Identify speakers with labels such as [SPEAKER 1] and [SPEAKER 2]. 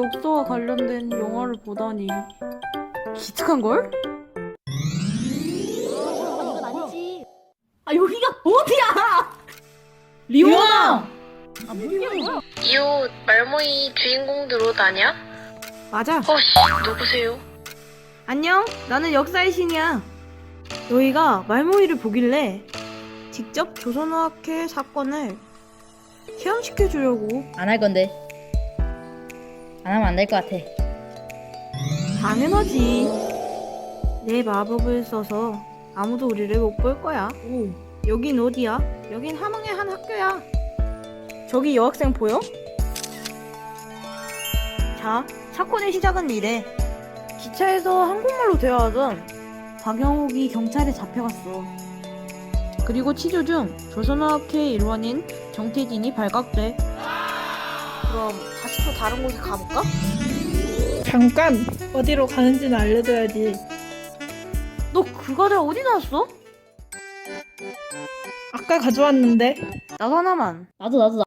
[SPEAKER 1] 역사와 관련된 영화를 보다니 기특한걸?
[SPEAKER 2] 아 여기가 어디야?
[SPEAKER 1] 리오나!
[SPEAKER 3] 이 옷 말모이 주인공들 옷 아냐?
[SPEAKER 1] 맞아.
[SPEAKER 3] 누구세요?
[SPEAKER 1] 안녕, 나는 역사의 신이야. 너희가 말모이를 보길래 직접 조선어학회 사건을 체험시켜주려고.
[SPEAKER 2] 안 할 건데. 안 하면 안 될 것 같아.
[SPEAKER 1] 당연하지. 내 마법을 써서 아무도 우리를 못 볼 거야. 오, 여긴 어디야? 여긴 함흥의 한 학교야. 저기 여학생 보여? 자, 사건의 시작은 이래. 기차에서 한국말로 대화하던 박영욱이 경찰에 잡혀갔어. 그리고 치료 중 조선어학회 일원인 정태진이 발각돼. 그럼 다시 또 다른 곳에 가볼까?
[SPEAKER 4] 잠깐! 어디로 가는지는 알려줘야지.
[SPEAKER 1] 너 그 과자 어디 나왔어?
[SPEAKER 4] 아까 가져왔는데.
[SPEAKER 1] 나도 하나만.
[SPEAKER 2] 나도.